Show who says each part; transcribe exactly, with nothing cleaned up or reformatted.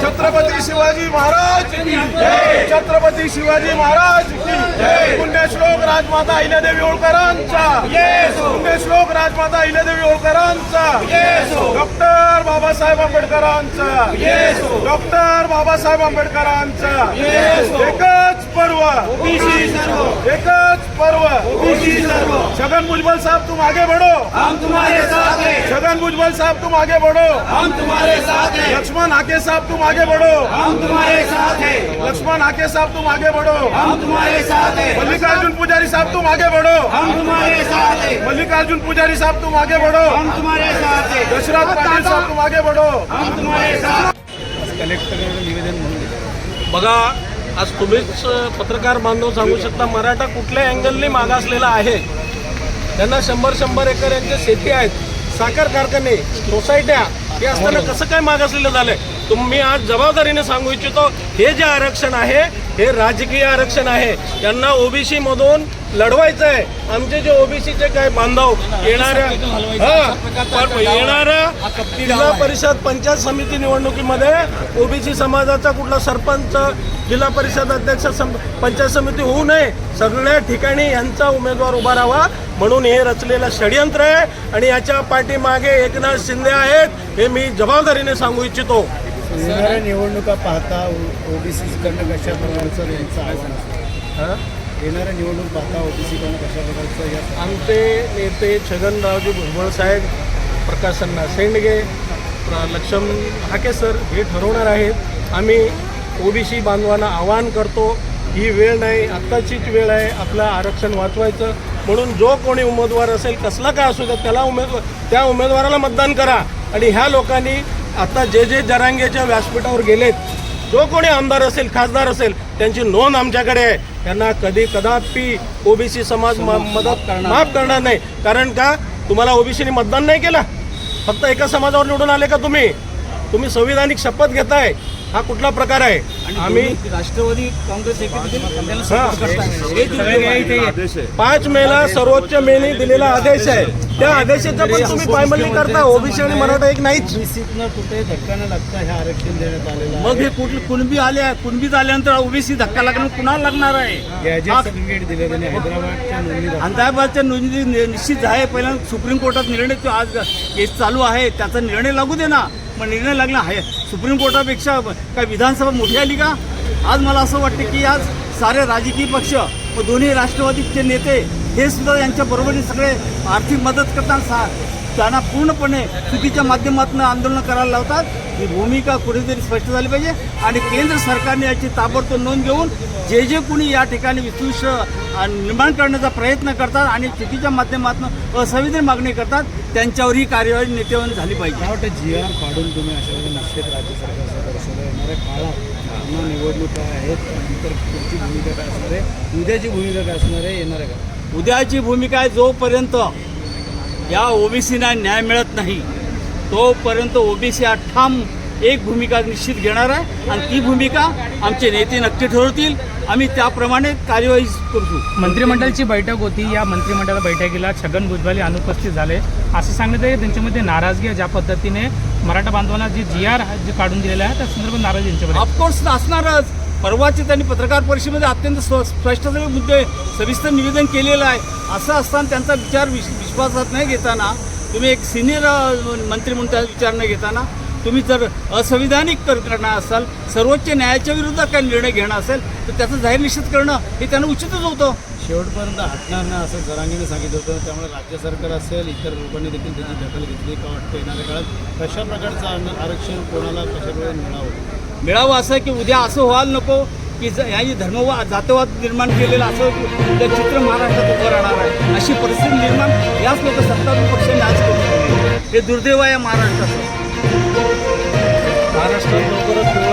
Speaker 1: छत्रपती शिवाजी महाराज की जय, छत्रपती शिवाजी महाराज की जय, पुण्यश्लोक राजमाता अहिल्यादेवी होळकरांचा, पुण्यश्लोक राजमाता अहिल्यादेवी होळकरांचा, डॉक्टर बाबासाहेब आंबेडकरांचा, डॉक्टर बाबासाहेब आंबेडकरांचा एकच पर्व, एकच पर्व। छगन भुजबल साहब तुम आगे बढ़ो,
Speaker 2: हम तुम्हारे साथ हैं।
Speaker 1: छगन भुजबल साहब तुम आगे बढ़ो,
Speaker 2: हम तुम्हारे साथ हैं।
Speaker 1: लक्ष्मण हाके साहब तुम आगे बढ़ो,
Speaker 2: हम तुम्हारे साथ हैं।
Speaker 1: लक्ष्मण हाके साहब तुम आगे बढ़ो,
Speaker 2: हम तुम्हारे साथ हैं।
Speaker 1: मल्लिकार्जुन पुजारी साहब तुम आगे बढ़ो,
Speaker 2: हम तुम्हारे साथ हैं।
Speaker 1: मल्लिकार्जुन पुजारी साहब तुम आगे बढ़ो,
Speaker 2: हम तुम्हारे साथ हैं।
Speaker 1: दशरथ पाटील साहब तुम आगे बढ़ो,
Speaker 2: हम तुम्हारे साथ।
Speaker 3: कलेक्टरकडे निवेदन म्हणून
Speaker 4: बघा, आज तुम्हीच पत्रकार बांधव सांगू शकता मराठा कुठल्या अँगलने मागासलेला आहे। त्यांना शंभर शंभर एकर यांच्या शेती आहेत, साखर कारखाने, सोसायट्या, हे असताना कसं काय मागासलेलं झालंय? तुम्ही आज जबाबदारीने सांगू इच्छितो, हे जे आरक्षण आहे हे राजकीय आरक्षण आहे। त्यांना ओबीसी मधून लढवायचं आहे। आमचे जे ओबीसीचे काय बांधव येणाऱ्या हा येणाऱ्या जिल्हा परिषद पंचायत समिती निवडणुकीमध्ये ओबीसी समाजाचा कुठला सरपंच, जिल्हा परिषद अध्यक्ष, पंचायत समिती होऊ नये, सगळ्या ठिकाणी यांचा उमेदवार उभा राहावा म्हणून हे रचलेलं षडयंत्र आहे आणि याच्या पाठीमागे एकनाथ शिंदे आहेत, हे मी जबाबदारीने सांगू इच्छितो।
Speaker 3: येणाऱ्या निवडणुका पाहता ओबीसीकडनं कशा प्रकारचं यांचं आव्हान असतं? येणाऱ्या निवडणूक पाहता ओबीसीकडनं कशा प्रकारचं या
Speaker 4: आमचे नेते छगनरावजी भुजबळ साहेब, प्रकाशअण्णा शेंडगे, लक्ष्मण हाके सर हे ठरवणार आहेत। आम्ही ओबीसी बांधवांना आवाहन करतो, ही वेळ नाही, आत्ताचीच वेळ आहे आपलं आरक्षण वाचवायचं म्हणून जो कोणी उमेदवार असेल कसला काय असू द्या त्याला उमेदवार त्या उमेदवाराला मतदान करा। आणि ह्या लोकांनी आता जे जे जरांगेच्या व्यासपीठावर गेलेत, जो कोणी आमदार असेल, खासदार असेल, त्यांची नोंद आमच्याकडे आहे। त्यांना कधी कदापि ओबीसी समाज मदत माफ करणार नाही। कारण का तुम्हाला ओबीसीने मतदान नाही केलं, फक्त एका समाजावर निवडून आले का तुम्ही? तुम्ही संविधानिक शपथ घेताय, हा कुठला प्रकार आहे? आम्ही
Speaker 3: राष्ट्रवादी काँग्रेस
Speaker 4: पाच मेला सर्वोच्च मेने दिलेला आदेश आहे, त्या आदेशाचा पण तुम्ही पायमल्ली करता। ओबीसी आणि मराठा एक नाहीच।
Speaker 3: ओबीसीतनं कुठे धक्का न लागता हे आरक्षण देण्यात आलेलं आहे।
Speaker 5: मग हे कुठले कुणबी आले, कुणबीच आल्यानंतर ओबीसी धक्का लागणं कुणाला लागणार आहे?
Speaker 3: गॅजेट सर्टिफिकेट दिले त्यांनी हैदराबादच्या नोंदणी
Speaker 5: हैदराबादच्या नोंदणी नि- निश्चित आहे। पहिल्यांदा सुप्रीम कोर्टात निर्णय तो आज केस चालू आहे, त्याचा निर्णय लागू दे ना। मग निर्णय लागला आहे सुप्रीम कोर्टापेक्षा काय विधानसभा मोठी आली का? आज मला असं वाटतं की आज सारे राजकीय पक्ष व दोन्ही राष्ट्रवादीचे नेते हे सुद्धा यांच्या बरोबरीने सगळे आर्थिक मदत करताना सा त्यांना पूर्णपणे चुकीच्या माध्यमातून आंदोलन करायला लावतात। ही भूमिका कुठेतरी स्पष्ट झाली पाहिजे आणि केंद्र सरकारने याची ताबडतोब नोंद घेऊन जे जे कोणी या ठिकाणी विद्वेष निर्माण करण्याचा प्रयत्न करतात आणि चुकीच्या माध्यमातून असंविधानिक मागणी करतात त्यांच्यावर ही कार्यवाही नेत्यांनी झाली पाहिजे।
Speaker 3: मला वाटतं जी आर काढून तुम्ही अशा वेळी निश्चित राज्य सरकारचा दर्शवलं। येणाऱ्या काळात पुन्हा निवडणुका आहेत, नंतर पुढची भूमिका काय असणार आहे, उद्याची भूमिका काय असणार आहे, येणाऱ्या का
Speaker 5: उद्याची भूमिका आहे जोपर्यंत या ओबीसीना न्याय मिळत नाही तोपर्यंत ओबीसी हा ठाम एक भूमिका निश्चित घेणार आहे आणि ती भूमिका आमचे नेते नक्की ठरवतील। आम्ही त्याप्रमाणे कार्यवाही करतो।
Speaker 6: मंत्रिमंडळाची बैठक होती, या मंत्रिमंडळ बैठकीला छगन भुजबळ अनुपस्थित झाले असं सांगण्यात आहे। त्यांच्यामध्ये नाराजगी आहे, ज्या पद्धतीने मराठा बांधवांना जी जी आर जे काढून दिलेला आहे त्या संदर्भात नाराजी यांच्यामध्ये
Speaker 5: ऑफकोर्स असणारच। परवाची त्यांनी पत्रकार परिषदेमध्ये अत्यंत स्पष्ट सगळे मुद्दे सविस्तर निवेदन केलेलं आहे। असं असताना त्यांचा विचार विश विश्वासात नाही घेताना तुम्ही एक सिनियर मंत्री म्हणून त्याचा विचार न घेताना तुम्ही जर असंविधानिक करणार असाल, सर्वोच्च न्यायाच्या विरुद्ध काही निर्णय घेणं असेल तर त्याचं जाहीर निश्चित करणं हे त्यांना उचितच होतं।
Speaker 3: शेवटपर्यंत हटणार नाही असं जरांगीने सांगितलं होतं, त्यामुळे राज्य सरकार असेल इतर लोकांनी देखील त्याची दखल घेतली का वाटतं येणाऱ्या काळात कशा प्रकारचं आरक्षण कोणाला कशा प्रकारे मिळावं
Speaker 5: मिळावं असं की उद्या असं व्हायला नको की यांनी धर्मवाद जातवाद निर्माण केलेलं असं उद्या चित्र महाराष्ट्रात उभं राहणार आहे। अशी परिस्थिती निर्माण याच लोक सत्तारूढ पक्षांनी आज करून हे दुर्दैव आहे महाराष्ट्राचं।
Speaker 4: महाराष्ट्रात लवकरच